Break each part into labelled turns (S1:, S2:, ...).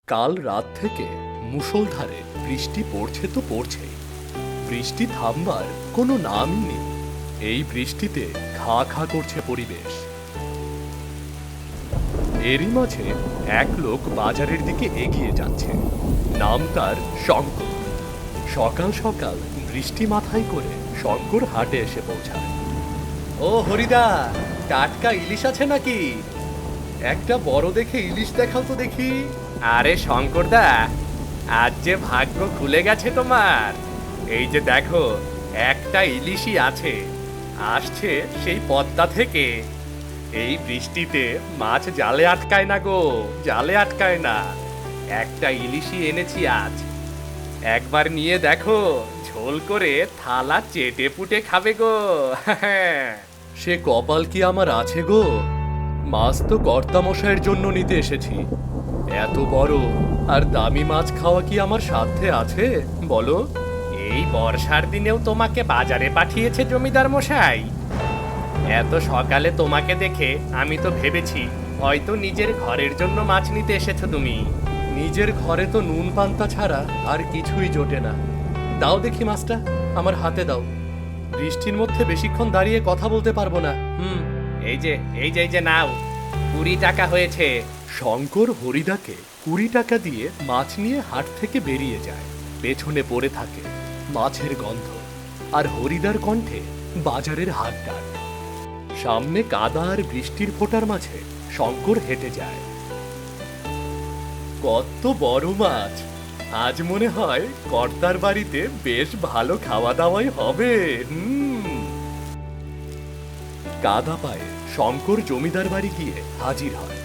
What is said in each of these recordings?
S1: কাল রাত থেকে মুষলধারে বৃষ্টি পড়ছে তো পড়ছেই। বৃষ্টি থামবার কোনো নামই নেই। এই বৃষ্টিতে খা খা করছে পরিবেশ। এরই মাঝে এক লোক বাজারের দিকে এগিয়ে যাচ্ছে। নাম তার শঙ্কর। সকাল সকাল বৃষ্টি মাথায় করে শঙ্কর হাটে এসে পৌঁছায়। ও হরিদা, টাটকা ইলিশ আছে নাকি? একটা বড় দেখে ইলিশ দেখাও তো দেখি।
S2: আরে শঙ্করদা, আজ যে ভাগ্য খুলে গেছে তোমার। এই যে দেখো, একটা ইলিশই আছে, আসছে সেই পদ্মা থেকে। এই বৃষ্টিতে মাছ জালে আটকায় না গো, জালে আটকায় না। একটা ইলিশই এনেছি আজ, একবার নিয়ে দেখো, ঝোল করে থালা চেটে পুটে খাবে গো।
S1: সে কপাল কি আমার আছে গো? মাছ তো কর্তামশাইয়ের জন্য নিতে এসেছি। এত বড় আর দামি মাছ খাওয়া কি আমার সাধ্যে আছে বলো?
S2: এই বর্ষার দিনেও তোমাকে বাজারে পাঠিয়েছে জমিদার মশাই। এত সকালে তোমাকে দেখে আমি তো ভেবেছি হয়তো নিজের ঘরের জন্য মাছ নিতে এসেছো তুমি।
S1: নিজের ঘরে তো নুন পান্তা ছাড়া আর কিছুই জোটে না। দাও দেখি মাছটা, আমার হাতে দাও। বৃষ্টির মধ্যে বেশিক্ষণ দাঁড়িয়ে কথা বলতে পারবো না।
S2: এই যে নাও, 20 টাকা হয়েছে।
S1: শঙ্কর হরিদাকে 20 টাকা দিয়ে মাছ নিয়ে হাট থেকে বেরিয়ে যায়। পেছনে পড়ে থাকে মাছের গন্ধ আর হরিদার কণ্ঠে বাজারের হাট ডাক। সামনে কাদা আর বৃষ্টির ফোঁটার মাঝে শঙ্কর হেঁটে যায়। কত বড় মাছ! আজ মনে হয় কর্তার বাড়িতে বেশ ভালো খাওয়া দাওয়াই হবে। কাদা পায়ে শঙ্কর জমিদার বাড়ি গিয়ে হাজির হয়।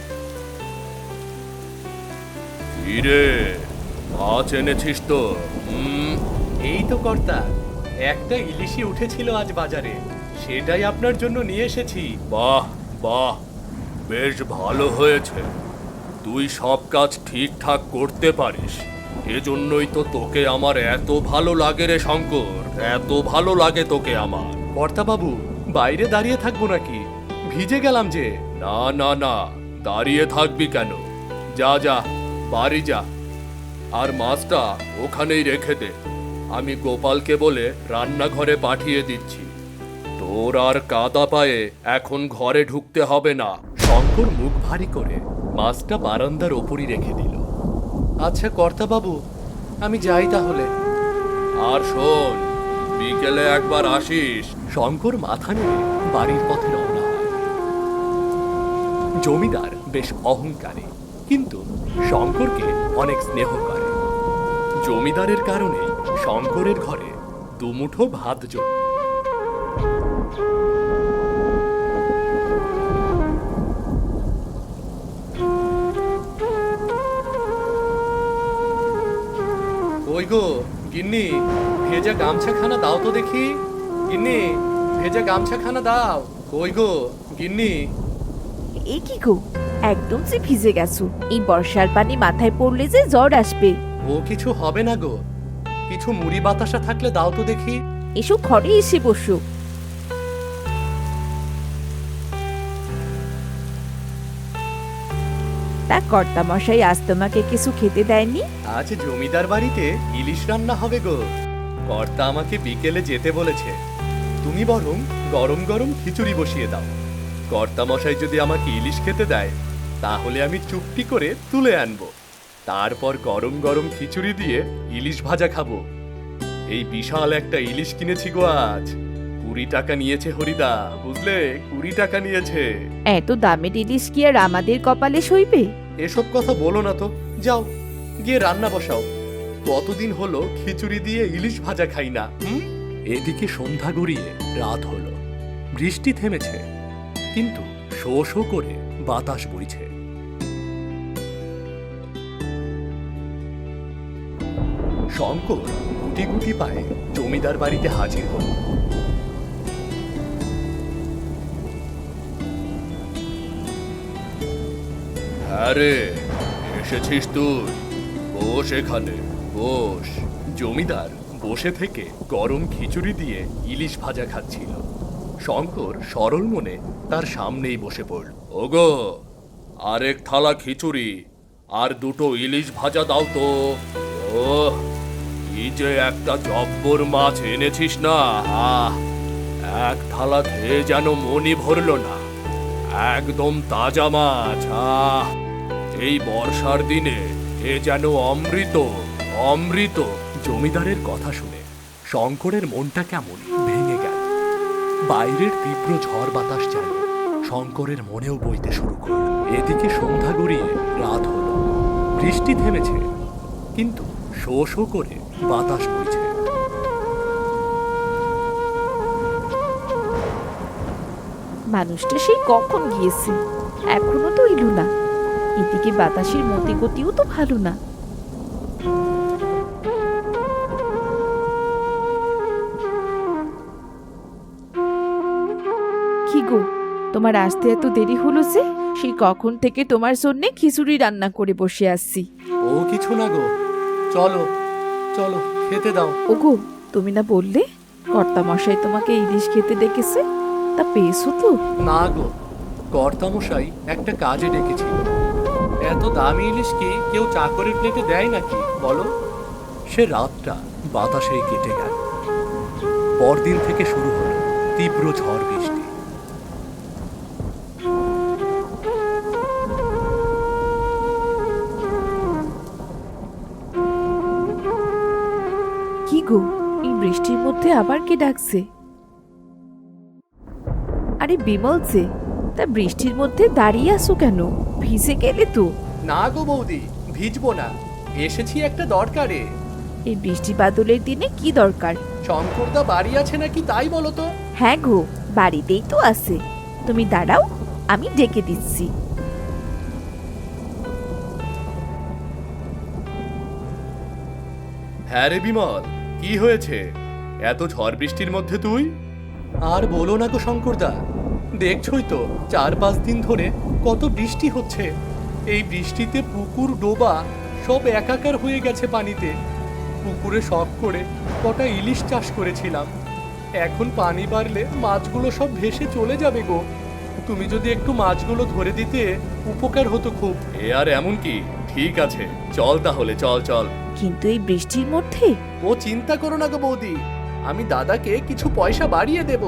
S1: কিরে, মাছ এনেছিস তো? এই তো কর্তা, একটা ইলিশই উঠেছিল আজ বাজারে, সেটাই আপনার জন্য নিয়ে এসেছি। বাহ বাহ, বেশ ভালো হয়েছে। তুই সব কাজ ঠিকঠাক করতে পারিস, এজন্যই তো তোকে আমার এত ভালো লাগে রে শঙ্কর, এত ভালো লাগে তোকে আমার। কর্তা বাবু, বাইরে দাঁড়িয়ে থাকবো নাকি? ভিজে গেলাম যে। না না না, দাঁড়িয়ে থাকবি কেন? যা যা, বাড়ি যা। আর মাছটা ওখানেই রেখে দে, আমি গোপালকে বলে রান্নাঘরে পাঠিয়ে দিচ্ছি। তোর আর কাদা পায়ে এখন ঘরে ঢুকতে হবে না। শঙ্কর মুখ ভারী করে মাছটা বারান্দার ওপরই রেখে দিল। আচ্ছা কর্তা বাবু, আমি যাই তাহলে। আর শোন, বিকেলে একবার আসিস। শঙ্কর মাথা নেড়ে বাড়ির পথে রওনা হয়। জমিদার বেশ অহংকারী, কিন্তু শঙ্করকে অনেক স্নেহ করে। জমিদারের কারণে শঙ্করের ঘরে দুমুঠো ভাত জোট। ওই গো গিন্নি, ভেজা গামছাখানা দাও তো দেখি। গিন্নি, ভেজা গামছাখানা দাও। ওই গো গিন্নি।
S3: এ কি গো, একদম যে ভিজে গেছো। এই বর্ষার পানি মাথায় পড়লে যে জ্বর আসবে।
S1: ও কিছু হবে না গো, কিছু মুড়ি বাতাসা থাকলে দাও তো দেখি।
S3: এসো ঘরে এসে বসো। তা কর্তা মশাই আজ তোমাকে কিছু খেতে দেয়নি?
S1: আজ জমিদার বাড়িতে ইলিশ রান্না হবে গো। কর্তা আমাকে বিকেলে যেতে বলেছে। তুমি বরং গরম গরম খিচুড়ি বসিয়ে দাও। কর্তা মশাই যদি আমাকে ইলিশ খেতে দেয়, তাহলে আমি চুপটি করে তুলে আনবো। তারপর গরম গরম খিচুড়ি দিয়ে ইলিশ ভাজা খাবো। এই বিশাল একটা ইলিশ কিনেছি গো আজ। 20 টাকা নিয়েছে হরিদা, বুঝলে, 20 টাকা নিয়েছে।
S3: এত দামের ইলিশ কি আর আমাদের কপালে সইবে?
S1: এসব কথা বলো না তো, যাও গিয়ে রান্না বসাও। কতদিন হলো খিচুড়ি দিয়ে ইলিশ ভাজা খাই না। এদিকে সন্ধ্যা গড়িয়ে রাত হলো। বৃষ্টি থেমেছে, কিন্তু শো শো করে বাতাস বইছে। শঙ্কর গুটি গুটি পায়ে জমিদার বাড়িতে হাজির হল। হ্যাঁ রে, এসেছিস তুই? বস এখানে, বস। জমিদার বসে থেকে গরম খিচুড়ি দিয়ে ইলিশ ভাজা খাচ্ছিল। শঙ্কর সরল মনে তার সামনেই বসে পড়ল। ওগো, আরেক থালা খিচুড়ি আর দুটো ইলিশ ভাজা দাও তো। ও, কি যে একটা জব্বর মাছ এনেছিস না, আহ! এক থালা খেয়ে যেন মনই ভরলো না। একদম তাজা মাছ, আহ! এই বর্ষার দিনে এ যেন অমৃত, অমৃত। জমিদারের কথা শুনে শঙ্করের মনটা কেমন ভেঙে গেল। বাইরের তীব্র ঝড় বাতাস যেন শঙ্করের মনেও বইতে শুরু করল। এদিকে সন্ধ্যা গড়িয়ে রাত হলো। বৃষ্টি থেমেছে, কিন্তু শো শো করে বাতাস বইছে।
S3: মানুষটা সেই কখন গিয়েছে, এখনো তো এলো না। এদিকে বাতাসের মতি গতিও তো ভালো না। কি গো, তোমার আসতে এত দেরি হলো যে? সেই কখন থেকে তোমার জন্যে খিচুড়ি রান্না করে বসে আসছি।
S1: ও কিছু না গো, চলো চলো খেতে দাও।
S3: ওগো, তুমি না বললে কর্তামশাই তোমাকে ইলিশ খেতে ডেকেছে? তা পেয়েছো তো?
S1: না গো, কর্তামশাই একটা কাজে ডেকেছিল। এত দামি ইলিশ কি কেউ চাকরের প্লেটে দেয় নাকি বলো? সে রাতটা বাতাসেই কেটে গেল। পরদিন থেকে শুরু হলো তীব্র ঝড় বৃষ্টি।
S3: কি গো, এই বৃষ্টির মধ্যে আবার কে ডাকছে? আরে বিমল যে, তা বৃষ্টির মধ্যে দাঁড়িয়ে আছো কেন? ভিজে গেলে তো।
S1: না গো বৌদি, ভিজবো না, এসেছি একটা দরকারে।
S3: এই বৃষ্টি বাদলের দিনে কি দরকার?
S1: শঙ্করদা বাড়ি আছে নাকি তাই বলো তো।
S3: হ্যাঁ গো, বাড়িতেই তো আছে। তুমি দাঁড়াও, আমি ডেকে দিচ্ছি।
S1: হ্যাঁ রে বিমল, কি হয়েছে এত ঝড় বৃষ্টির মধ্যে তুই? আর বলো না গো শঙ্করদা, দেখছই তো 4-5 দিন ধরে কত বৃষ্টি হচ্ছে। এই বৃষ্টিতে পুকুর ডোবা সব একাকার হয়ে গেছে পানিতে। পুকুরে শখ করে কটা ইলিশ চাষ করেছিলাম, এখন পানি বাড়লে মাছগুলো সব ভেসে চলে যাবে গো। তুমি যদি একটু মাছগুলো ধরে দিতে উপকার হতো খুব। এ আর এমন কি, ঠিক আছে চল তাহলে, চল চল।
S3: কিন্তু এই বৃষ্টির মধ্যে?
S1: ও চিন্তা করো না গো বৌদি, আমি দাদাকে কিছু পয়সা বাড়িয়ে দেব।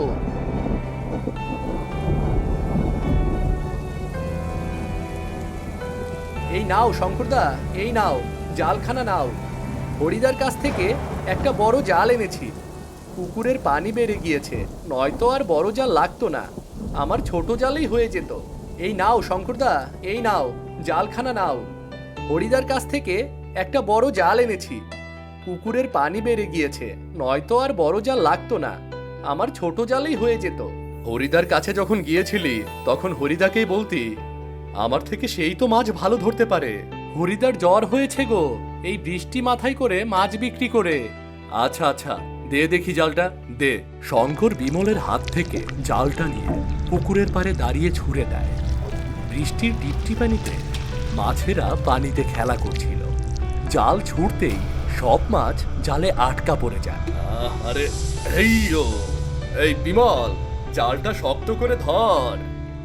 S1: এই নাও শঙ্করদা, এই নাও জালখানা নাও। হরিদার কাছ থেকে একটা বড় জাল এনেছি। পুকুরের পানি বেড়ে গিয়েছে, নয়তো আর বড় জাল লাগতো না, আমার ছোট জালেই হয়ে যেত। এই নাও শঙ্করদা, এই নাও জালখানা নাও। হরিদার কাছ থেকে একটা বড় জাল এনেছি। পুকুরের পানি বেড়ে গিয়েছে, নয়তো আর বড় জাল লাগতো না, আমার ছোট জালেই হয়ে যেত। হরিদার কাছে যখন গিয়েছিলি তখন হরিদাকেই বলতি, আমার থেকে সেই তো মাছ ভালো ধরতে পারে। হরিদার জ্বর হয়েছে গো এই বৃষ্টি মাথায় করে মাছ বিক্রি করে। আচ্ছা আচ্ছা, দে দেখি জালটা, দে। শঙ্কর বিমলের হাত থেকে জালটা নিয়ে পুকুরের পাড়ে দাঁড়িয়ে ছুঁড়ে দেয়। বৃষ্টির টিপটি পানিতে মাছেরা পানিতে খেলা করছিল। জাল ছুঁড়তেই সব মাছ জালে আটকা পড়ে যায়। আরে এই বিমল, জালটা শক্ত করে ধর।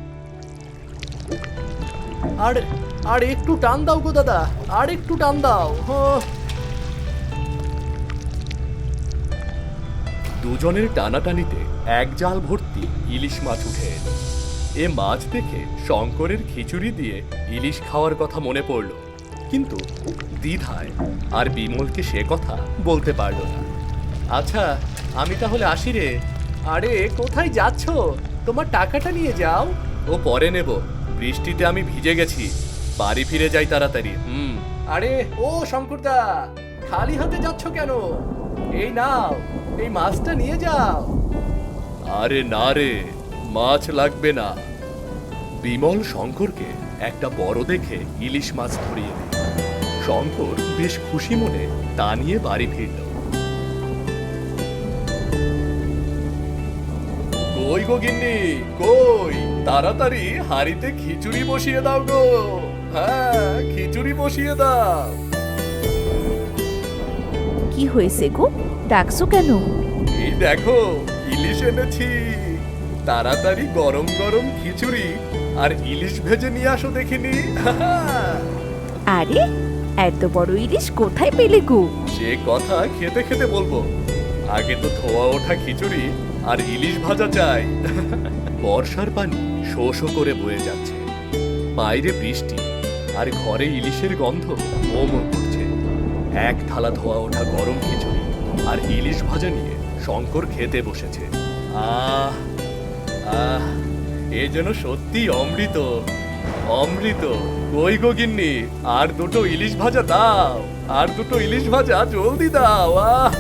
S1: আর আর একটু টান দাও গো দাদা, আর একটু টান দাও। দুজনের টানাটানিতে এক জাল ভর্তি ইলিশ মাছ উঠে এলো। এ মাছ দেখে শঙ্করের খিচুড়ি দিয়ে ইলিশ খাওয়ার কথা মনে পড়ল, কিন্তু দ্বিধায় আর বিমলকে সে কথা বলতে পারল না। আচ্ছা, আমি তাহলে আসি রে। আরে কোথায় যাচ্ছ? তোমার টাকাটা নিয়ে যাও। ও পরে নেব, বৃষ্টিতে আমি ভিজে গেছি, বাড়ি ফিরে যাই তাড়াতাড়ি। আরে ও শঙ্করদা, খালি হাতে যাচ্ছ কেন? এই নাও, এই মাছটা নিয়ে যাও। আরে না রে, মাছ লাগবে না। বিমল শঙ্করকে একটা বড় দেখে ইলিশ মাছ ধরিয়ে দেয়। শঙ্কর বেশ খুশি মনে তা নিয়ে বাড়ি ফিরল। কই গো গিন্নি, কই? তাড়াতাড়ি হাড়িতে খিচুড়ি বসিয়ে দাও গো। হ্যাঁ, খিচুড়ি বসিয়ে দাও।
S3: কি হয়েছে গো, ডাকছো কেন?
S1: এই দেখো ইলিশ এনেছি, তাড়াতাড়ি গরম গরম খিচুড়ি আর ইলিশ ভেজে নিয়ে আসো দেখিনি।
S3: আরে এত বড় ইলিশ কোথায় পেলে গো?
S1: সে কথা খেতে খেতে বলবো, আগে তো ধোয়া ওঠা খিচুড়ি আর ইলিশ ভাজা চাই। বর্ষার পানি শো শো করে বয়ে যাচ্ছে, বাইরে বৃষ্টি আর ঘরে ইলিশের গন্ধ মোমো করছে। এক থালা ধোয়া ওঠা গরম খিচুড়ি আর ইলিশ ভাজা নিয়ে শঙ্কর খেতে বসেছে। আহ আহ, এ যেন সত্যি অমৃত, অমৃত। কই গো গিন্নি, আর দুটো ইলিশ ভাজা দাও, আর দুটো ইলিশ ভাজা জলদি দাও। আহ